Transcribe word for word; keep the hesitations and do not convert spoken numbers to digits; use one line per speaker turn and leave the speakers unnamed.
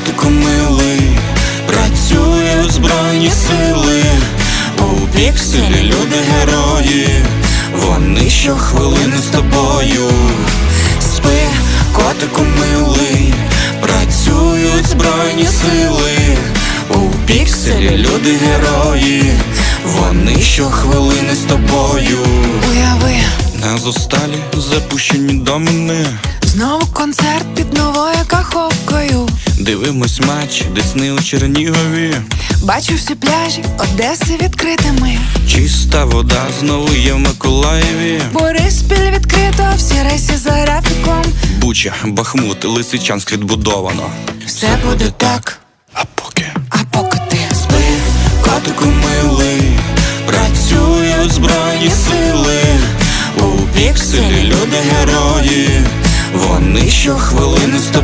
котику милий, працюють збройні сили. У пікселі люди герої, вони щохвилини з тобою. Спи, котику милий, працюють збройні сили. У пікселі люди герої, вони щохвилини з тобою.
Уяви,
на зосталі запущені домини,
знову концерт під новою каховкою.
дивимось матч Десни у Чернігові.
Бачу всі пляжі Одеси відкритими.
Чиста вода знову є в Миколаєві.
Бориспіль відкрито, всі рейси за графіком.
Буча, Бахмут, Лисичанськ відбудовано.
Все буде так,
А поки
а поки ти
спи, котику милий, працюють збройні сили. У пікселі люди герої, вони щохвилини з тобою.